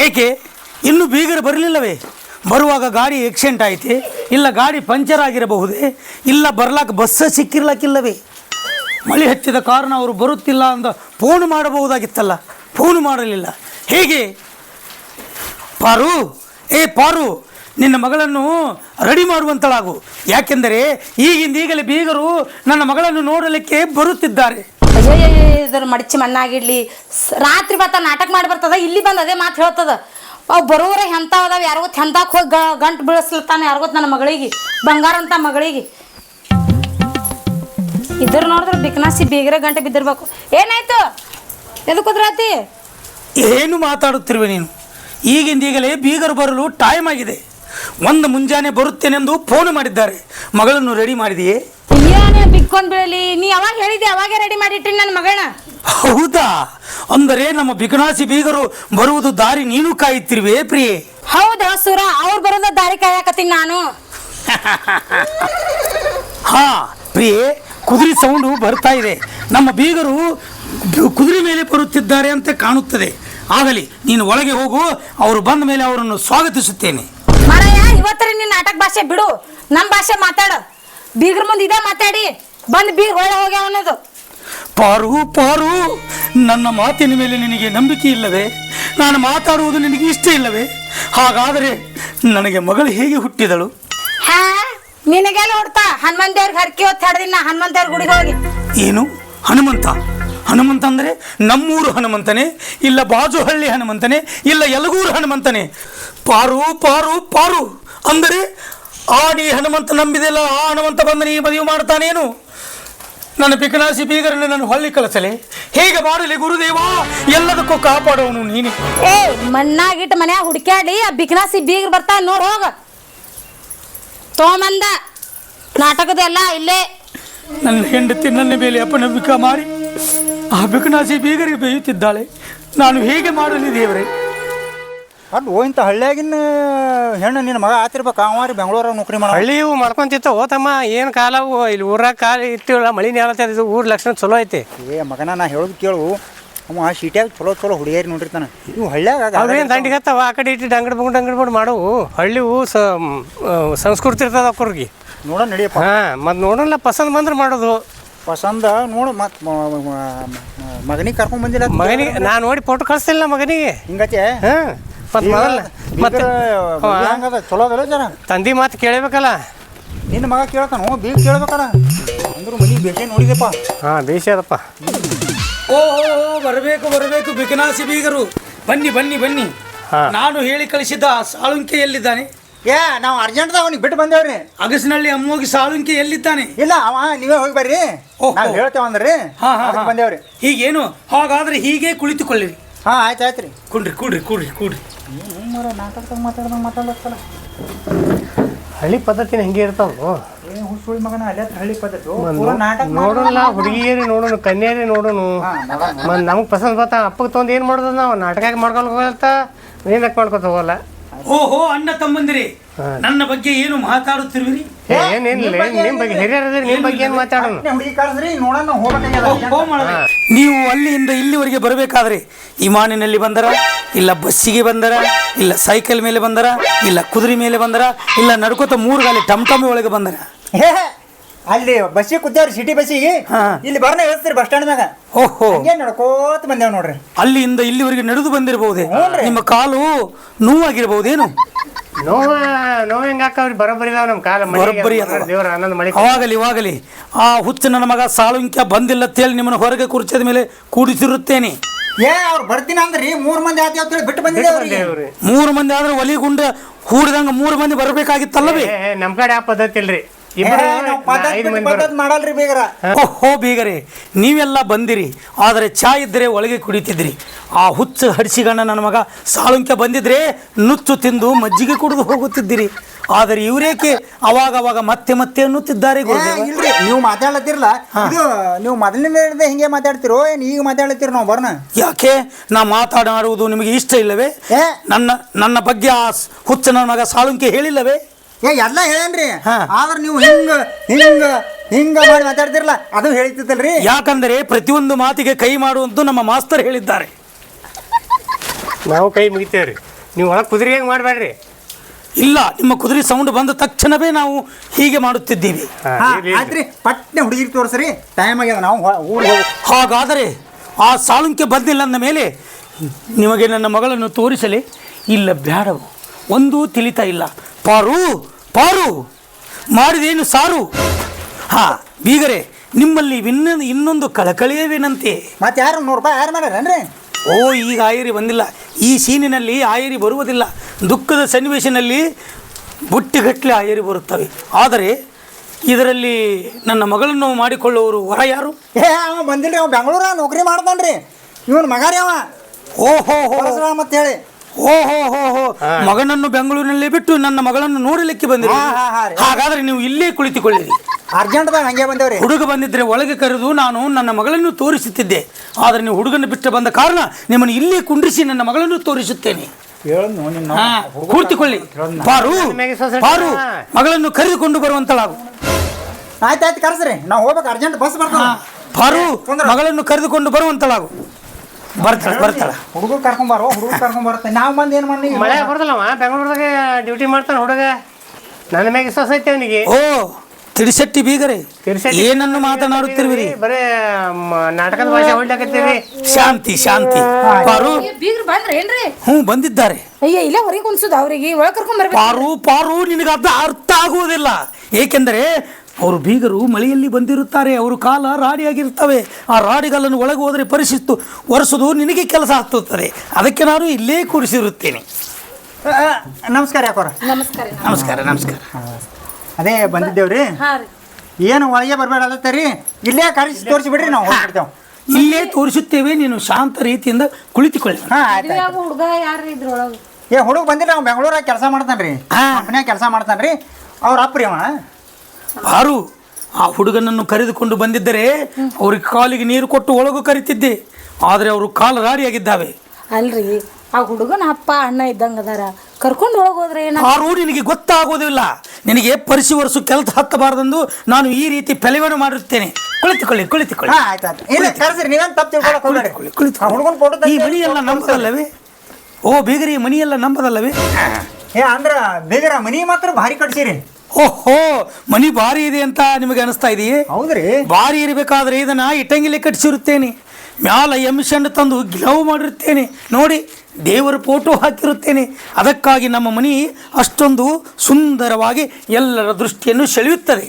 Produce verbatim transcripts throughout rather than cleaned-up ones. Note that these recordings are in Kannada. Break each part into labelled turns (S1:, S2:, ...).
S1: ಏಕೆ ಇನ್ನೂ ಬೀಗರು ಬರಲಿಲ್ಲವೇ? ಬರುವಾಗ ಗಾಡಿ ಆಕ್ಸಿಡೆಂಟ್ ಆಯಿತೆ, ಇಲ್ಲ ಗಾಡಿ ಪಂಚರ್ ಆಗಿರಬಹುದೇ, ಇಲ್ಲ ಬರ್ಲಾಕ ಬಸ್ಸ ಸಿಕ್ಕಿರ್ಲಕ್ಕಿಲ್ಲವೇ? ಮಳೆ ಹತ್ತಿದ ಕಾರಣ ಅವರು ಬರುತ್ತಿಲ್ಲ ಅಂತ ಫೋನ್ ಮಾಡಬಹುದಾಗಿತ್ತಲ್ಲ, ಫೋನ್ ಮಾಡಲಿಲ್ಲ. ಹೇಗೆ ಪಾರು? ಏ ಪಾರು, ನಿನ್ನ ಮಗಳನ್ನು ರೆಡಿ ಮಾಡುವಂತಳಾಗು. ಯಾಕೆಂದರೆ ಈಗಿಂದ ಈಗಲೇ ಬೀಗರು ನನ್ನ ಮಗಳನ್ನು ನೋಡಲಿಕ್ಕೆ ಬರುತ್ತಿದ್ದಾರೆ.
S2: ಇದ್ರ ಮಡಚಿ ಮಣ್ಣಾಗಿಡ್ಲಿ, ರಾತ್ರಿ ಬತ್ತ ನಾಟಕ ಮಾಡಿ ಬರ್ತದ, ಇಲ್ಲಿ ಬಂದು ಅದೇ ಮಾತು ಹೇಳ್ತದ. ಅವು ಬರೋರ ಹೆಂತ ಅದಾವ, ಯಾರಿಗೊತ್ತು ಹೆಂತಾಕ್ ಹೋಗಿ ಗ ಗಂಟು ಬೀಳಿಸ್ಲತ್ತಾನ ಯಾರಿಗೊತ್ತು ನನ್ನ ಮಗಳಿಗೆ, ಬಂಗಾರ ಅಂತ ಮಗಳಿಗೆ. ಇದ್ರ ನೋಡಿದ್ರೆ ಬಿಕ್ನಾಸಿ ಬೀಗರ ಗಂಟೆ ಬಿದ್ದಿರ್ಬೇಕು. ಏನಾಯ್ತು? ಎದಕ್ಕೆ ಕುದ್ರಾತಿ?
S1: ಏನು ಮಾತಾಡುತ್ತಿರುವೆ ನೀನು? ಈಗಿಂದ ಈಗಲೇ ಬೀಗರು ಬರಲು ಟೈಮ್ ಆಗಿದೆ. ಒಂದು ಮುಂಜಾನೆ ಬರುತ್ತೇನೆಂದು ಫೋನ್ ಮಾಡಿದ್ದಾರೆ. ಮಗಳನ್ನು ರೆಡಿ ಮಾಡಿದೆಯೇ?
S2: ಏನೇ ಬಿಕ್ಕೊಂಡ್ ಬೀಳಲಿ, ನೀ ಯಾವಾಗ ಹೇಳಿದೆ ಅವಾಗೇ ರೆಡಿ ಮಾಡಿಟ್ರಿ ನನ್ನ ಮಗಳನ್ನ.
S1: ಹೌದಾ? ಅಂದರೆ ನಮ್ಮ ಬಿಕನಾಸಿ ಬೀಗರು ಬರುವುದು ದಾರಿ ನೀನು ಕಾಯುತ್ತಿರುವೆ ಪ್ರಿಯೆ?
S2: ಹೌದಾ ಸುರ, ಅವ್ರು ಬರೋದ ದಾರಿ ಕಾಯಕತ್ತೀನಿ ನಾನು.
S1: ಹಾ ಪ್ರಿಯೆ, ಕುದುರೆ ಸೌಂಡು ಬರ್ತಾ ಇದೆ. ನಮ್ಮ ಬೀಗರು ಕುದುರೆ ಮೇಲೆ ಬರುತ್ತಿದ್ದಾರೆ ಅಂತ ಕಾಣುತ್ತದೆ. ಆಗಲಿ, ನೀನು ಒಳಗೆ ಹೋಗು, ಅವರು ಬಂದ ಮೇಲೆ ಅವರನ್ನು ಸ್ವಾಗತಿಸುತ್ತೇನೆ.
S2: ಮಾರಾಯ, ಇವತ್ತರ ನಿನ್ನ ನಾಟಕ ಭಾಷೆ ಬಿಡು, ನಮ್ಮ ಭಾಷೆ ಮಾತಾಡ. ಬೀಗ್ರ ಮುಂದೆ ಇದೇ ಮಾತಾಡಿ ಬಂದು ಬೀಗ್ ಒಳ್ಳೆ ಹೋಗ್ಯಾವ ಅನ್ನೋದು.
S1: ಪಾರು ಪಾರು, ನನ್ನ ಮಾತಿನ ಮೇಲೆ ನಿನಗೆ ನಂಬಿಕೆ ಇಲ್ಲವೇ? ನಾನು ಮಾತಾಡುವುದು ನಿನಗೆ ಇಷ್ಟ ಇಲ್ಲವೇ? ಹಾಗಾದರೆ ನನಗೆ ಮಗಳು ಹೇಗೆ ಹುಟ್ಟಿದಳು?
S2: ಹಾ, ನಿನಗೆಲ್ಲ ಹೊಡ್ತಾ ಹನುಮಂತ ದೇವ್ರಿಗೆ ಹರಕೆ ಹೊತ್ತು ಹಾಡ್ದಿನ ಹನುಮಂತ ದೇವ್ರ ಗುಡಿಗೆ ಹೋಗಿ.
S1: ಏನು ಹನುಮಂತ? ಹನುಮಂತ ಅಂದರೆ ನಮ್ಮೂರು ಹನುಮಂತನೇ, ಇಲ್ಲ ಬಾಜುಹಳ್ಳಿ ಹನುಮಂತನೇ, ಇಲ್ಲ ಯಲಗೂರು ಹನುಮಂತನೇ? ಪಾರು ಪಾರು ಪಾರು, ಅಂದರೆ ಆ ನೀ ಹನುಮಂತ ನಂಬಿದೆಲ್ಲ, ಆ ಹನುಮಂತ ಬಂದು ನೀ ಮದುವೆ ಮಾಡ್ತಾನೇನು? ನನ್ನ ಬಿಕನಾಸಿ ಬೀಗರನ್ನು ನಾನು ಹೊಳ್ಳಿ ಕಳಿಸಲೆ? ಹೇಗೆ ಮಾಡಲಿ ಗುರುದೇವ? ಎಲ್ಲದಕ್ಕೂ ಕಾಪಾಡೋನು ನೀನು.
S2: ಏ, ಮಣ್ಣಾಗಿಟ್ಟು ಮನ್ಯಾಗ ಹುಡುಕ್ಯಾಡಿ ಆ ಬಿಕನಾಸಿ ಬೀಗ್ರ ಬರ್ತಾ ನೋಡ್ ಹೋಗ. ತೋಮಂದ ನಾಟಕದೆಲ್ಲ ಇಲ್ಲೇ.
S1: ನನ್ನ ಹೆಂಡತಿ ನನ್ನ ಮೇಲೆ ಅಪನಂಬಿಕೆ ಮಾಡಿ ಆ ಬಿಕನಾಸಿ ಬೀಗರಿಗೆ ಬೇಯುತ್ತಿದ್ದಾಳೆ. ನಾನು ಹೇಗೆ ಮಾಡಲಿ ದೇವರೇ?
S3: ಅದು ಇಂಥ ಹಳ್ಳಿಯಾಗಿನ ಹೆಣ್ಣು ನಿನ್ನ ಮಗ ಆತಿರ್ಬೇಕು. ಅವ ರೀ ಬೆಂಗಳೂರಾಗ ನೌಕರಿ ಮಾಡೋ.
S4: ಹಳ್ಳಿವು ಮಾಡ್ಕೊಂತಿತ್ತು ಓತಮ್ಮ, ಏನು ಕಾಲವು ಇಲ್ಲಿ ಊರಾಗ ಕಾಲ ಇಟ್ಟಿವಲ್ಲ, ಮಳಿ ನೇಲತ್ತಿದ್ದು ಊರ ಲಕ್ಷಣ ಚಲೋ ಐತಿ.
S3: ಏ ಮಗನ, ನಾ ಹೇಳೋದು ಕೇಳು, ಅವ ಶೀಟ್ಯಾಗ ಚಲೋ ಚಲೋ ಹುಡುಗಿಯರಿ ನೋಡಿರ್ತಾನೆ. ಇವು ಹಳ್ಳಿಯಾಗ
S4: ಅವೇನು ದಂಡಿಗೆ ಹತ್ತವ, ಆ ಕಡೆ ಇಟ್ಟು ಅಂಗಡಿ ಬಂಗಡಿ ಅಂಗಡಿ ಬಂದು ಮಾಡವು. ಹಳ್ಳಿವು ಸಂಸ್ಕೃತಿ ಇರ್ತದ ಅವ್ರಿಗೆ.
S3: ನೋಡ ನಡಿಯಪ್ಪ.
S4: ಹಾಂ, ಮತ್ತು ನೋಡೋಲ್ಲ, ಪಸಂದ್ ಬಂದ್ರೆ ಮಾಡೋದು.
S3: ಪಸಂದ ನೋಡು, ಮತ್ತು ಮಗನಿಗೆ ಕರ್ಕೊಂಡ್ ಬಂದಿಲ್ಲ.
S4: ಮಗನಿಗೆ ನಾನು ನೋಡಿ ಫೋಟೋ ಕಳಿಸ್ತಿಲ್ಲ ಮಗನಿಗೆ.
S3: ಹಿಂಗತ್ತೆ?
S4: ಹಾಂ, ಮತ್ತು ಮೊದಲ ಮತ್ತೆ
S3: ಹಂಗದ ಚಲೋ ಅದಲ್ಲ ಜರ.
S4: ತಂದೆ ಮಾತು ಕೇಳಬೇಕಲ್ಲ.
S3: ನಿನ್ನ ಮಗ ಕೇಳ್ತಾನು, ಬೀಗ ಕೇಳ್ಬೇಕಲ್ಲ. ಅಂದ್ರು ಮನಿ ಬೇಷೆ ನೋಡಿದೆಪ್ಪ.
S4: ಹಾಂ, ಬೇಷ ಅದಪ್ಪ.
S1: ಓಹೋ, ಬರಬೇಕು ಬರಬೇಕು ಬಿಕನಾಸಿ ಬೀಗರು, ಬನ್ನಿ ಬನ್ನಿ ಬನ್ನಿ. ನಾನು ಹೇಳಿ ಕಳಿಸಿದ್ದ ಸಾಳುಂಕೆ ಎಲ್ಲಿದ್ದಾನೆ?
S3: ಏ, ನಾವು ಅರ್ಜೆಂಟ್ದಾಗ ಅವನಿಗೆ ಬಿಟ್ಟು ಬಂದೇವ್ರಿ.
S1: ಅಗಸಿನಳ್ಳಿ ಅಮ್ಮೋಗಿ ಸಾಳುಂಕೆ ಎಲ್ಲಿದ್ದಾನೆ?
S3: ಇಲ್ಲ, ಅವ ನೀವೇ ಹೋಗಿ ಬರ್ರಿ, ನಾವು ಹೇಳ್ತೇವೆ ಅಂದ್ರಿ.
S1: ಹಾ ಹಾ
S3: ಬಂದೇವ್ರಿ.
S1: ಹೀಗೇನು? ಹಾಗಾದ್ರೆ ಹೀಗೆ ಕುಳಿತುಕೊಳ್ಳಿರಿ.
S3: ಹಾಂ, ಆಯ್ತು ಆಯ್ತು ರೀ.
S1: ಕುಡ್ರಿ ಕುಡ್ರಿ ಕುಡ್ರಿ ಕುಡ್ರಿ.
S3: ನಾಟಕದಾಗ ಮಾತಾಡ್ದಂಗೆ ಮಾತಾಡ್ಲತ್ತಲ್ಲ.
S4: ಹಳ್ಳಿ ಪದ್ಧತಿನ ಹೆಂಗೆ ಇರ್ತಾವ?
S3: ಏ ಹುಸುಳಿ ಮಗನ, ಅಲ್ಲೇ ಹಳ್ಳಿ ಪದ್ಧತಿ
S4: ನೋಡೋಣ, ಹುಡುಗಿಯರಿ ನೋಡೋಣ, ಕನ್ಯಾರಿ ನೋಡೋಣ. ಮತ್ತು ನಮಗೆ ಪಸಂದ್ ಬರ್ತಾ ಅಪ್ಪಗೆ ತೊಗೊಂಡು ಏನು ಮಾಡೋದು? ನಾವು ನಾಟಕ ಮಾಡ್ಕೊಂಡು ಹೋಗಲ್ತ ಏನಕ್ಕೆ ಮಾಡ್ಕೊತ ಹೋಗಲ್ಲ.
S1: ಓಹೋ, ಅಣ್ಣ ತಮ್ಮಂದಿರಿ, ನನ್ನ ಬಗ್ಗೆ ಏನು ಮಾತಾಡುತ್ತಿರುವಿರಿ?
S4: ಏನೇನಿಲ್ಲ, ನಿಮ್ಮ ಬಗ್ಗೆ ಹಿರಿಯರದ್ರಿ, ನಿಮ್ಮ ಬಗ್ಗೆ ಏನು ಮಾತಾಡೋಣ?
S3: ಹುಡುಗಿ ಕಳಿಸ್ರಿ, ನೋಡೋಣ ಹೋಗ್ಬೇಕಾಗ್ಯದ.
S1: ನೀವು ಅಲ್ಲಿಂದ ಇಲ್ಲಿವರೆಗೆ ಬರಬೇಕಾದ್ರೆ ವಿಮಾನಿನಲ್ಲಿ ಬಂದರ, ಇಲ್ಲ ಬಸ್ಸಿಗೆ ಬಂದರ, ಇಲ್ಲ ಸೈಕಲ್ ಮೇಲೆ ಬಂದರ, ಇಲ್ಲ ಕುದುರೆ ಮೇಲೆ ಬಂದರ, ಇಲ್ಲ ನಡ್ಕೋತ ಮೂರು ಗಾಲಿ ಟಮ್ ಟಮ್ಮಿ ಒಳಗೆ ಬಂದರ?
S3: ಅಲ್ಲಿ ಬಸ್ಸಿಗೆ ಕೂತೇವ್ರಿ, ಸಿಟಿ ಬಸ್ಸಿಗೆ. ಇಲ್ಲಿ ಬರ್ನ ಹೇಳ್ತೀರಿ ಬಸ್ ಸ್ಟ್ಯಾಂಡ್ ಮ್ಯಾಗ.
S1: ಓಹೋ,
S3: ಏನ್ ನಡ್ಕೋತ ಬಂದೇವ್ ನೋಡ್ರಿ.
S1: ಅಲ್ಲಿಂದ ಇಲ್ಲಿವರೆಗೆ ನಡೆದು ಬಂದಿರಬಹುದೇ? ನಿಮ್ಮ ಕಾಲು ನೋವಾಗಿರಬಹುದೇನು?
S4: ನೋವ ನೋವು ಹೆಂಗೆ ಹಾಕವ್ರಿ? ಬರೋಬ್ಬರಿ ಇದಾವ ನಮ್ಮ ಕಾಲ.
S1: ಬರೋಬ್ಬರಿ
S4: ದೇವರ ಆನಂದ ಮಾಡಿ.
S1: ಅವಾಗಲಿ ಇವಾಗಲಿ ಆ ಹುಚ್ಚ ನನ್ನ ಮಗ ಸಾಳುಂಕ್ಯ ಬಂದಿಲ್ಲ ಅಂತೇಳಿ ನಿಮ್ಮನ್ನು ಹೊರಗೆ ಕುರ್ಚದ ಮೇಲೆ ಕೂಡಿಸಿರುತ್ತೇನೆ.
S3: ಏ, ಅವ್ರು ಬರ್ತೀನಿ ಅಂದ್ರಿ, ಮೂರ್ ಮಂದಿ ಆತಿ ಅಂತ ಹೇಳಿ ಬಿಟ್ಟು ಬಂದಿದ್ದೇವ್ರಿ.
S1: ಮೂರು ಮಂದಿ ಆದ್ರೆ ಒಲಿ ಗುಂಡ ಹೂಡಿದಂಗ ಮೂರು ಮಂದಿ ಬರಬೇಕಾಗಿತ್ತಲ್ಲವೇ?
S4: ನಮ್ಮ ಕಡೆ ಆ ಪದ್ಧತಿ ಇಲ್ರಿ.
S3: ಮಾಡಲ್ರಿ ಬೀಗರ.
S1: ಓಹೋ ಬೀಗರೇ, ನೀವೆಲ್ಲ ಬಂದಿರಿ, ಆದರೆ ಚಾ ಇದ್ದರೆ ಒಳಗೆ ಕುಡಿತಿದ್ರಿ. ಆ ಹುಚ್ಚ ಹಡಿಸಿಗಣ್ಣ ನನ್ನ ಮಗ ಸಾಳುಂಕ್ಯ ಬಂದಿದ್ರೆ ನುಚ್ಚು ತಿಂದು ಮಜ್ಜಿಗೆ ಕುಡಿದು ಹೋಗುತ್ತಿದ್ದಿರಿ. ಆದರೆ ಇವರೇಕೆ ಅವಾಗ ಅವಾಗ ಮತ್ತೆ ಮತ್ತೆ ಅನ್ನುತ್ತಿದ್ದಾರೆ?
S3: ಇಲ್ರಿ, ನೀವು ಮಾತಾಡ್ಲತ್ತಿರಲ್ಲ, ಇದು ನೀವು ಮೊದಲಿನಿಂದ ಹಿಂಗೆ ಮಾತಾಡ್ತಿರೋ ಏನ್ ಈಗ ಮಾತಾಡ್ಲತ್ತೀರ? ನಾವು ಬರ್ನ
S1: ಯಾಕೆ? ನಾ ಮಾತಾಡುವುದು ನಿಮಗೆ ಇಷ್ಟ ಇಲ್ಲವೇ? ನನ್ನ ನನ್ನ ಬಗ್ಗೆ ಆ ಹುಚ್ಚ ನನ್ನ ಮಗ ಸಾಳುಂಕ್ಯ ಹೇಳಿಲ್ಲವೇ?
S3: ಏ, ಎಲ್ಲ ಹೇಳೇನ್ರಿ, ಆದ್ರೆ ನೀವು ಹಿಂಗ ಹಿಂಗ ಹಿಂಗ ಮಾಡಿ ಮಾತಾಡ್ತಿರಲ್ಲ, ಅದು ಹೇಳ್ತಿತ್ತಲ್ರಿ.
S1: ಯಾಕಂದರೆ ಪ್ರತಿಯೊಂದು ಮಾತಿಗೆ ಕೈ ಮಾಡುವಂತೂ ನಮ್ಮ ಮಾಸ್ತರ್ ಹೇಳಿದ್ದಾರೆ.
S4: ನಾವು ಕೈ ಮುಗಿತೇವ್ರಿ. ನೀವು ಒಳಗೆ ಕುದುರೆ ಹೆಂಗೆ ಮಾಡಬೇಡ್ರಿ.
S1: ಇಲ್ಲ, ನಿಮ್ಮ ಕುದುರೆ ಸೌಂಡ್ ಬಂದ ತಕ್ಷಣವೇ ನಾವು ಹೀಗೆ ಮಾಡುತ್ತಿದ್ದೀವಿ.
S3: ಹಾ ಆಯ್ತ್ರಿ, ಪಟ್ನೆ ಹುಡುಗಿಗೆ ತೋರಿಸ್ರಿ, ಟೈಮ್ ಆಗ್ಯದ ನಾವು ಊರಿಗೆ ಹೋಗಿ.
S1: ಹಾಗಾದರೆ ಆ ಸಾಳುಂಕ್ಯ ಬಂದಿಲ್ಲ ಅಂದ ಮೇಲೆ ನಿಮಗೆ ನನ್ನ ಮಗಳನ್ನು ತೋರಿಸಲಿ? ಇಲ್ಲ, ಬೇಡವು, ಒಂದೂ ತಿಳಿತಾ ಇಲ್ಲ. ಪಾರು ಪಾರು ಮಾಡಿದೇನು ಸಾರು? ಹಾ ಬೀಗರೆ, ನಿಮ್ಮಲ್ಲಿ ಇನ್ನೊಂದು ಇನ್ನೊಂದು ಕಳಕಳಿಯ ವಿನಂತಿ.
S3: ಮತ್ತೆ ಯಾರು ನೂರು ರೂಪಾಯಿ ಯಾರು ಮಾಡ್ಯಾರೇನ್ರಿ?
S1: ಓ, ಈಗ ಆಯರಿ ಬಂದಿಲ್ಲ. ಈ ಸೀನಿನಲ್ಲಿ ಆಯರಿ ಬರುವುದಿಲ್ಲ. ದುಃಖದ ಸನ್ನಿವೇಶನಲ್ಲಿ ಬುಟ್ಟಿಗಟ್ಟಲೆ ಆಯರಿ ಬರುತ್ತವೆ. ಆದರೆ ಇದರಲ್ಲಿ ನನ್ನ ಮಗಳನ್ನು ಮಾಡಿಕೊಳ್ಳುವವರು ವರ ಯಾರು?
S3: ಏ ಅವ ಬಂದಿಲ್ರಿ, ಅವ ಬೆಂಗಳೂರ ನೌಕರಿ ಮಾಡ್ತಾನ್ರಿ. ಇವನ್ ಮಗಾರಿ ಅವ.
S1: ಓಹೋ ಹೋ
S3: ಪರಶುರಾಮ ಅಂತ ಹೇಳಿ.
S1: ಓಹೋ ಹೋ ಹೋ ಮಗನನ್ನು ಬೆಂಗಳೂರಿನಲ್ಲಿ ಬಿಟ್ಟು ನನ್ನ ಮಗಳನ್ನು ನೋಡಲಿಕ್ಕೆ ಬಂದಿರಿ.
S3: ಹಾ, ಹಾ, ಹಾ ರೀ.
S1: ಹಾಗಾದ್ರೆ ನೀವು ಇಲ್ಲೇ ಕುಳಿತುಕೊಳ್ಳಿರಿ.
S3: ಅರ್ಜೆಂಟ್ದಾಗ ಹಂಗೆ ಬಂದೇವ್ರಿ.
S1: ಹುಡುಗ ಬಂದಿದ್ರೆ ಒಳಗೆ ಕರೆದು ನಾನು ನನ್ನ ಮಗಳನ್ನು ತೋರಿಸುತ್ತಿದ್ದೆ. ಆದರೆ ನೀವು ಹುಡುಗನ ಬಿಟ್ಟು ಬಂದ ಕಾರಣ ನಿಮ್ಮನ್ನು ಇಲ್ಲೇ ಕುಂಡ್ರಿಸಿ ನನ್ನ ಮಗಳನ್ನು ತೋರಿಸುತ್ತೇನೆ. ಹಾ, ಕೂರ್ತಿಕೊಳ್ಳಿ. ಪಾರು ಪಾರು ಮಗಳನ್ನು ಕರೆದುಕೊಂಡು ಬರುವಂತಳಾಗು.
S3: ಆಯ್ತಾಯ್ತು, ಕರ್ಸ್ರಿ, ನಾವು ಹೋಗ್ಬೇಕು, ಅರ್ಜೆಂಟ್ ಬಸ್ ಬರ್ತಾವ.
S1: ಪಾರು ಮಗಳನ್ನು ಕರೆದುಕೊಂಡು ಬರುವಂತಳಾಗು. ಬರ್ತಾಳ ಬರ್ತಾಳ
S3: ಹುಡುಗರು ಕರ್ಕೊಂಬಾರೋ, ಹುಡುಗರು ಕರ್ಕೊಂಡ್ ಬರುತ್ತೆ. ನಾವು ಬಂದು ಏನು ಮಾಡಿ
S4: ಮಳೆ ಬರ್ತಲ್ಲವ, ಬೆಂಗಳೂರದಾಗ ಡ್ಯೂಟಿ ಮಾಡ್ತಾನೆ ಹುಡುಗ. ನನ್ನ ಮ್ಯಾಗ ವಿಶ್ವಾಸ ಐತೆ ಅವನಿಗೆ.
S1: ಓ ತಿಡಿಸೆಟ್ಟಿ ಬೀಗರೆ, ಏನನ್ನು ಮಾತನಾಡುತ್ತಿರುವಿರಿ?
S4: ಬರೇ ಮ- ನಾಟಕದ ಭಾಷೆ ಹೊಡ್ಲಾಕತ್ತೀರಿ.
S1: ಶಾಂತಿ ಶಾಂತಿ. ಪಾರು
S2: ಬೀಗ್ರು ಬಂದ್ರೆ ಏನ್ರಿ?
S1: ಹ್ಞೂ ಬಂದಿದ್ದಾರೆ.
S2: ಅಯ್ಯ ಇಲ್ಲ, ಹೊರಗೆ ಕುನ್ಸುದು ಅವ್ರಿಗೆ ಒಳಗೆ ಕರ್ಕೊಂಡ್ ಬರ್ಬೇಕು.
S1: ಪಾರು ಪಾರು ನಿನಗೆ ಅರ್ಥ ಅರ್ಥ ಆಗುವುದಿಲ್ಲ. ಏಕೆಂದರೆ ಅವರು ಬೀಗರು ಮಳೆಯಲ್ಲಿ ಬಂದಿರುತ್ತಾರೆ. ಅವರು ಕಾಲ ರಾಡಿಯಾಗಿರ್ತವೆ. ಆ ರಾಡಿಗಳನ್ನು ಒಳಗೆ ಹೋದರೆ ಪರಿಶಿಸ್ತು ಒರೆಸೋದು ನಿನಗೆ ಕೆಲಸ ಆಗ್ತುತ್ತದೆ. ಅದಕ್ಕೆ ನಾನು ಇಲ್ಲೇ ಕೂರಿಸಿರುತ್ತೇನೆ.
S3: ನಮಸ್ಕಾರ ಯಾಕೋರ.
S2: ನಮಸ್ಕಾರ.
S1: ನಮಸ್ಕಾರ ನಮಸ್ಕಾರ.
S3: ಅದೇ ಬಂದಿದ್ದೇವ್ರಿ.
S2: ಹಾ ರೀ.
S3: ಏನು ಒಳಗೆ ಬರಬೇಡ ಅಲ್ಲತ್ತರಿ, ಇಲ್ಲೇ ಕರೆಸಿ ತೋರಿಸಿ ಬಿಡ್ರಿ, ನಾವು ಹೋಗ್ಬಿಡ್ತೇವೆ.
S1: ಇಲ್ಲೇ ತೋರಿಸುತ್ತೇವೆ, ನೀನು ಶಾಂತ ರೀತಿಯಿಂದ ಕುಳಿತುಕೊಳ್ಳಿ.
S3: ಹಾ ಆಯ್ತು.
S2: ಯಾವ ಹುಡುಗ ಯಾರು ಇದ್ರೊಳಗೆ?
S3: ಏ ಹುಡುಗ ಬಂದಿಲ್ಲ, ಅವ್ನು ಬೆಂಗಳೂರಾಗ ಕೆಲಸ ಮಾಡ್ತಾನ್ರಿ.
S1: ಹಾ.
S3: ಕಂಪ್ನ್ಯಾಗ ಕೆಲಸ ಮಾಡ್ತಾನ್ರಿ. ಅವ್ರ ಅಪ್ರಿ ಅವ.
S1: ಪಾರು ಆ ಹುಡುಗನನ್ನು ಕರೆದುಕೊಂಡು ಬಂದಿದ್ದರೆ ಅವ್ರಿಗೆ ಕಾಲಿಗೆ ನೀರು ಕೊಟ್ಟು ಒಳಗೂ ಕರಿತಿದ್ದೆ. ಆದರೆ ಅವರು ಕಾಲು ರಾಡಿಯಾಗಿದ್ದಾವೆ.
S2: ಅಲ್ರಿ, ಆ ಹುಡುಗನ ಅಪ್ಪ ಅಣ್ಣ ಇದ್ದಂಗ ಅದಾರ, ಕರ್ಕೊಂಡು ಒಳಗೆ ಹೋದ್ರೆ ಏನ?
S1: ಪಾರು ನಿನಗೆ ಗೊತ್ತಾಗೋದಿಲ್ಲ. ನಿನಗೆ ಪರಿಸಿ ವರ್ಷ ಕೆಲಸ ಹತ್ತಬಾರದೆಂದು ನಾನು ಈ ರೀತಿ ಪೆಲೆವನ್ನು ಮಾಡಿರುತ್ತೇನೆ. ಕುಳಿತುಕೊಳ್ಳಿ ಕುಳಿತುಕೊಳ್ಳಿ.
S3: ಹಾ ಆಯ್ತಾಯ್ತು. ಇಲ್ಲ ಕರೆಸ್ರಿ, ನೀವೇನು ತಪ್ಪು ತಿಳ್ಕೊಳಕ್ ಹೋಗ್ಬೇಡಿ.
S1: ಕುಳಿತುಕೊಳ್ಳಿ.
S3: ಆ ಹುಡುಗನ ಫೋಟೋ
S1: ಈ ಮಣಿಯೆಲ್ಲ ನಂಬದಲ್ಲವೇ? ಓ ಬೀಗರಿ, ಮಣಿಯೆಲ್ಲ ನಂಬದಲ್ಲವೇ?
S3: ಏ ಅಂದ್ರ ಬೇಗರ ಮನಿ ಮಾತ್ರ ಭಾರಿ ಕಟ್ಸಿರಿ.
S1: ಓಹೋ, ಮನಿ ಭಾರಿ ಇದೆ ಅಂತ ನಿಮಗೆ ಅನಿಸ್ತಾ ಇದೆಯೇ?
S3: ಹೌದ್ರಿ.
S1: ಭಾರಿ ಇರಬೇಕಾದ್ರೆ ಇದನ್ನ ಇಟ್ಟಂಗಿಲೆ ಕಟ್ಟಿಸಿರುತ್ತೇನೆ. ಮ್ಯಾಲ ಎಮಿಷನ್ ತಂದು ಗ್ಲವ್ ಮಾಡಿರುತ್ತೇನೆ. ನೋಡಿ, ದೇವರ ಫೋಟೋ ಹಾಕಿರುತ್ತೇನೆ. ಅದಕ್ಕಾಗಿ ನಮ್ಮ ಮನಿ ಅಷ್ಟೊಂದು ಸುಂದರವಾಗಿ ಎಲ್ಲರ ದೃಷ್ಟಿಯನ್ನು ಸೆಳೆಯುತ್ತದೆ.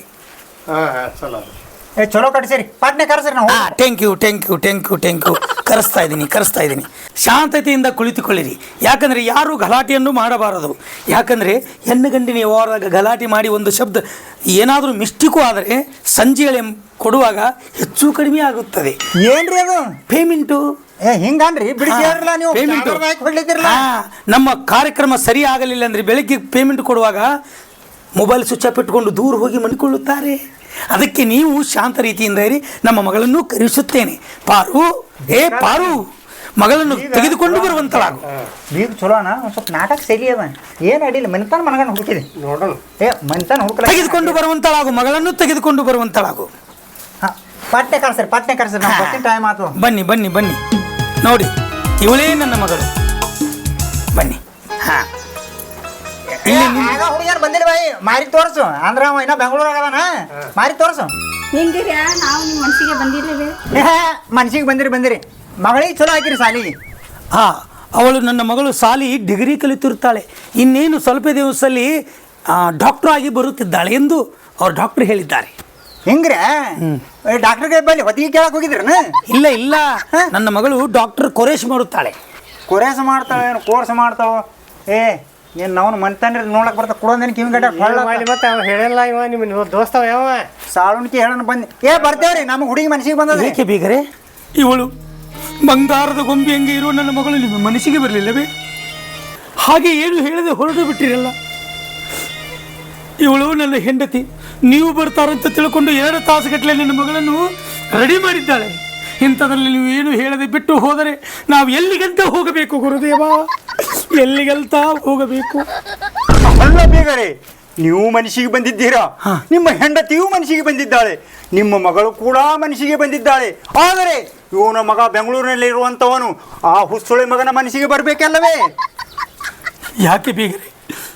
S3: ಏ ಚಲೋ ಕಟ್ಸಿರಿ, ಪಾಟ್ನೆ ಕರೆಸ್ರಿ ನಾವು.
S1: ಹಾ, thank you thank you thank you thank you. ಕರೆಸ್ತಾ ಇದ್ದೀನಿ ಕರೆಸ್ತಾ ಇದ್ದೀನಿ. ಶಾಂತತೆಯಿಂದ ಕುಳಿತುಕೊಳ್ಳಿರಿ. ಯಾಕಂದರೆ ಯಾರೂ ಗಲಾಟೆಯನ್ನು ಮಾಡಬಾರದು. ಯಾಕಂದರೆ ಹೆಣ್ಣು ಗಂಡಿನ ವ್ಯವಹಾರದಾಗ ಗಲಾಟೆ ಮಾಡಿ ಒಂದು ಶಬ್ದ ಏನಾದರೂ ಮಿಸ್ಟೇಕು ಆದರೆ ಸಂಜೆಳೆ ಕೊಡುವಾಗ ಹೆಚ್ಚು ಕಡಿಮೆ ಆಗುತ್ತದೆ.
S3: ಏನ್ರಿ ಅದು
S1: ಪೇಮೆಂಟು?
S3: ಏ ಹಿಂಗನ್ರಿ, ಬಿಡಿಸಿ ಹೇಳ್ರಲ್ಲ ನೀವು.
S1: ಪೇಮೆಂಟ್
S3: ಹೊಡ್ಲಿತ್ತಿರಲ್ಲ.
S1: ನಮ್ಮ ಕಾರ್ಯಕ್ರಮ ಸರಿ ಆಗಲಿಲ್ಲ ಅಂದರೆ ಬೆಳಗ್ಗೆ ಪೇಮೆಂಟ್ ಕೊಡುವಾಗ ಮೊಬೈಲ್ ಸ್ವಿಚ್ ಆಫ್ ಇಟ್ಕೊಂಡು ದೂರ ಹೋಗಿ ಮನಿಕೊಳ್ಳುತ್ತಾರೆ. ಅದಕ್ಕೆ ನೀವು ಶಾಂತ ರೀತಿಯಿಂದ ಇರಿ. ನಮ್ಮ ಮಗಳನ್ನು ಕರೆಸುತ್ತೇನೆ. ಪಾರು, ಏ ಪಾರು, ಮಗಳನ್ನು ತೆಗೆದುಕೊಂಡು ಬರುವಂತಳಾಗು.
S3: ಬೀಗ ಚಲೋನ, ಒಂದು ಸ್ವಲ್ಪ ನಾಟಕ ಶೈಲಿ ಅದ, ಏನು ಅಡಿಲ್ಲ. ಮನಿತಾನ ಮನಗಂಡು ಹುಡುಕಿದೆ
S4: ನೋಡೋಣ.
S3: ಏ ಮನಿತಾನ ಹುಡುಕಲ.
S1: ತೆಗೆದುಕೊಂಡು ಬರುವಂತಳಾಗು, ಮಗಳನ್ನು ತೆಗೆದುಕೊಂಡು ಬರುವಂತಳಾಗು.
S3: ಹಾಂ ಪಾಟ್ನೆ ಕರ್ಸ್ರಿ, ಪಾಟ್ನೆ ಕರ್ಸ್ರಿ. ನಾವು ಬಸ್ಸಿನ ಟೈಮ್ ಆಯ್ತು.
S1: ಬನ್ನಿ ಬನ್ನಿ ಬನ್ನಿ. ನೋಡಿ, ಇವಳೇ ನನ್ನ ಮಗಳು. ಬನ್ನಿ. ಹಾ,
S3: ಆಗ ಹುಡುಗಿಯರು ಬಂದಿಲ್ಲ ಬಾಯಿ, ಮಾರಿ ತೋರ್ಸು. ಅಂದ್ರ ಅವ ಇನ್ನ ಬೆಂಗಳೂರಾಗ ಅದಾನ, ಮಾರಿ ತೋರ್ಸು.
S2: ಹಿಂಗಿರಿ, ನಾವು ನಿಮ್ಮ ಮನಸ್ಸಿಗೆ ಬಂದಿರ್ಲಿವೆ.
S3: ಮನ್ಸಿಗೆ ಬಂದಿರಿ ಬಂದಿರಿ. ಮಗಳಿಗೆ ಚಲೋ ಹಾಕಿರಿ ಸಾಲಿಗೆ.
S1: ಹಾ, ಅವಳು ನನ್ನ ಮಗಳು ಸಾಲಿ ಡಿಗ್ರಿ ಕಲಿತಿರ್ತಾಳೆ. ಇನ್ನೇನು ಸ್ವಲ್ಪ ದಿವಸದಲ್ಲಿ ಡಾಕ್ಟರ್ ಆಗಿ ಬರುತ್ತಿದ್ದಾಳೆ ಎಂದು ಅವ್ರು ಡಾಕ್ಟರ್ ಹೇಳಿದ್ದಾರೆ.
S3: ಹಿಂಗ್ರೆ ಡಾಕ್ಟರ್ಗೆ ಬಲ್ಲಿ ಹೊತ್ತಿಗೆ ಕೇಳಕ್ ಹೋಗಿದ್ರನ?
S1: ಇಲ್ಲ ಇಲ್ಲ, ನನ್ನ ಮಗಳು ಡಾಕ್ಟರ್ ಕೊರೇಶ್ ಮಾಡುತ್ತಾಳೆ.
S3: ಕೊರೇಸ್ ಮಾಡ್ತಾಳೆ, ಕೋರ್ಸ್ ಮಾಡ್ತಾವ. ಏ ನೀನು ನಾವು ಮನ್ತಾನ್ರಿ ನೋಡಕ್ ಬರ್ತಾ ಕೊಡೋದೇನು ಕಿವಿ ಗಡ್ಡ
S4: ಮಾಡಿ ಮತ್ತೆ ಅವ ಹೇಳಲ್ಲ. ಇವ ನಿಮ್ಮ ದೋಸ್ತವ ಯಾವ
S3: ಸಾಳುಣಿಕೆ ಹೇಳೋಣ ಬಂದು. ಏ ಬರ್ತೇವ್ರಿ, ನಮ್ಮ ಹುಡುಗಿ ಮನಸ್ಸಿಗೆ ಬಂದದ್ರಿ.
S1: ಏಕೆ ಬೀಗರೆ, ಇವಳು ಬಂಗಾರದ ಗೊಂಬೆ ಹಂಗೆ ಇರುವ ನನ್ನ ಮಗಳು ನಿಮ್ಮ ಮನಸ್ಸಿಗೆ ಬರಲಿಲ್ಲವೇ? ಹಾಗೆ ಏನು ಹೇಳದೆ ಹೊರಟು ಬಿಟ್ಟಿರಲ್ಲ. ಇವಳು ನನ್ನ ಹೆಂಡತಿ. ನೀವು ಬರ್ತಾರಂತ ತಿಳ್ಕೊಂಡು ಎರಡು ತಾಸುಗಟ್ಟಲೆ ನನ್ನ ಮಗಳನ್ನು ರೆಡಿ ಮಾಡಿದ್ದಾಳೆ. ಇಂಥದ್ರಲ್ಲಿ ನೀವು ಏನು ಹೇಳದೆ ಬಿಟ್ಟು ಹೋದರೆ ನಾವು ಎಲ್ಲಿಗಂತ ಹೋಗಬೇಕು ಗುರುದೇವ? ಎಲ್ಲಿಗಂತ ಹೋಗಬೇಕು?
S3: ಅಲ್ಲ ಬೇಗರೆ, ನೀವು ಮನಸ್ಸಿಗೆ ಬಂದಿದ್ದೀರಾ, ನಿಮ್ಮ ಹೆಂಡತಿಯೂ ಮನಸ್ಸಿಗೆ ಬಂದಿದ್ದಾಳೆ, ನಿಮ್ಮ ಮಗಳು ಕೂಡ ಮನಸ್ಸಿಗೆ ಬಂದಿದ್ದಾಳೆ. ಆದರೆ ಇವನ ಮಗ ಬೆಂಗಳೂರಿನಲ್ಲಿ ಇರುವಂಥವನು ಆ ಹುಸುಳೆ ಮಗನ ಮನಸ್ಸಿಗೆ ಬರಬೇಕಲ್ಲವೇ?
S1: ಯಾಕೆ ಬೀಗರೆ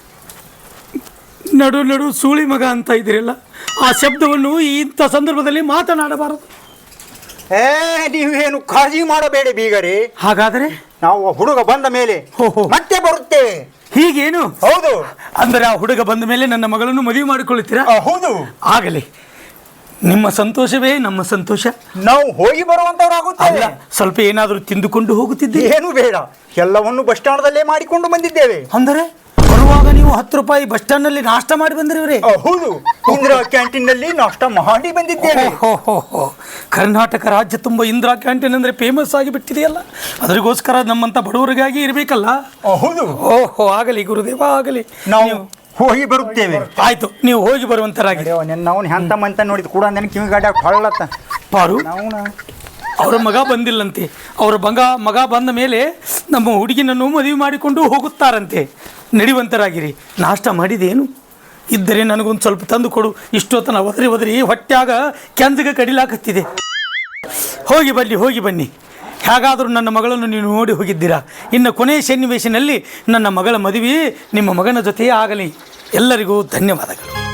S1: ನಡು ನಡು ಸೂಳಿ ಮಗ ಅಂತ ಇದ್ದೀರಲ್ಲ, ಆ ಶಬ್ದವನ್ನು ಇಂಥ ಸಂದರ್ಭದಲ್ಲಿ ಮಾತನಾಡಬಾರದು.
S3: ಏ ನೀವೇನು ಕಾಳಜಿ ಮಾಡಬೇಡಿ ಬೀಗರೆ.
S1: ಹಾಗಾದರೆ
S3: ನಾವು ಹುಡುಗ ಬಂದ ಮೇಲೆ
S1: ಹೋ, ಹೋ.
S3: ಮತ್ತೆ ಬರುತ್ತೇವೆ.
S1: ಹೀಗೇನು?
S3: ಹೌದು.
S1: ಅಂದರೆ ಆ ಹುಡುಗ ಬಂದ ಮೇಲೆ ನನ್ನ ಮಗಳನ್ನು ಮದುವೆ ಮಾಡಿಕೊಳ್ಳುತ್ತೀರಾ?
S3: ಆ, ಹೌದು.
S1: ಆಗಲಿ, ನಿಮ್ಮ ಸಂತೋಷವೇ ನಮ್ಮ ಸಂತೋಷ.
S3: ನಾವು ಹೋಗಿ ಬರುವಂತವರಾಗುತ್ತೇವೆ.
S1: ಅಲ್ಲ, ಸ್ವಲ್ಪ ಏನಾದರೂ ತಿಂದುಕೊಂಡು ಹೋಗುತ್ತಿದ್ದೆ.
S3: ಏನು ಬೇಡ, ಎಲ್ಲವನ್ನು ಬಸ್ ಸ್ಟಾಂಡ್ದಲ್ಲೇ ಮಾಡಿಕೊಂಡು ಬಂದಿದ್ದೇವೆ.
S1: ಅಂದರೆ ಬರುವಾಗ ನೀವು ಹತ್ತು ರೂಪಾಯಿ ಬಸ್ ಸ್ಟ್ಯಾಂಡ್ ನಲ್ಲಿ ನಾಷ್ಟ ಮಾಡಿ ಬಂದಿರಿವ್ರಿ?
S3: ಆ, ಹೌದು. ಇಂದಿರಾ ಕ್ಯಾಂಟೀನ್ ನಲ್ಲಿ ನಾಷ್ಟ ಮಾಡಿ ಬಂದಿದ್ದೇವೆ.
S1: ಹೋ ಹೋ ಹೋ ಕರ್ನಾಟಕ ರಾಜ್ಯ ತುಂಬ ಇಂದಿರಾ ಕ್ಯಾಂಟೀನ್ ಅಂದ್ರೆ ಫೇಮಸ್ ಆಗಿ ಬಿಟ್ಟಿದೆಯಲ್ಲ, ಅದರಿಗೋಸ್ಕರ ನಮ್ಮಂತ ಬಡವರಿಗಾಗಿ ಇರಬೇಕಲ್ಲ.
S3: ಆ, ಹೌದು.
S1: ಓಹೋ, ಆಗಲಿ ಗುರುದೇವ, ಆಗಲಿ.
S3: ನಾವು ಹೋಗಿ ಬರುತ್ತೇವೆ.
S1: ಆಯ್ತು, ನೀವು ಹೋಗಿ ಬರುವಂತರಾಗಿ.
S3: ನಾವು ಹೆಂತ ಮಂತ ನೋಡಿದ್ ಕೂಡ ನನಗೆ ಕಿವಿ ಗಾಡಿ ಹೊಳ್ಳತ್ತ.
S1: ಪಾರು,
S3: ನಾವು
S1: ಅವರ ಮಗ ಬಂದಿಲ್ಲಂತೆ. ಅವರ ಮಗ ಮಗ ಬಂದ ಮೇಲೆ ನಮ್ಮ ಹುಡುಗಿನನ್ನು ಮದುವೆ ಮಾಡಿಕೊಂಡು ಹೋಗುತ್ತಾರಂತೆ. ನಡೆಯುವಂತರಾಗಿರಿ. ನಾಷ್ಟ ಮಾಡಿದೇನು ಇದ್ದರೆ ನನಗೊಂದು ಸ್ವಲ್ಪ ತಂದು ಕೊಡು. ಇಷ್ಟೊತ್ತನ ಒದರಿ ಒದರಿ ಹೊಟ್ಟ್ಯಾಗ ಕೆಂದಿಗೆ ಕಡಿಲಾಕತ್ತಿದೆ. ಹೋಗಿ ಬನ್ನಿ, ಹೋಗಿ ಬನ್ನಿ. ಹೇಗಾದರೂ ನನ್ನ ಮಗಳನ್ನು ನೀವು ನೋಡಿ ಹೋಗಿದ್ದೀರಾ. ಇನ್ನು ಕೊನೆಯ ಸನ್ನಿವೇಶನಲ್ಲಿ ನನ್ನ ಮಗಳ ಮದುವೆ ನಿಮ್ಮ ಮಗನ ಜೊತೆಯೇ ಆಗಲಿ. ಎಲ್ಲರಿಗೂ ಧನ್ಯವಾದಗಳು.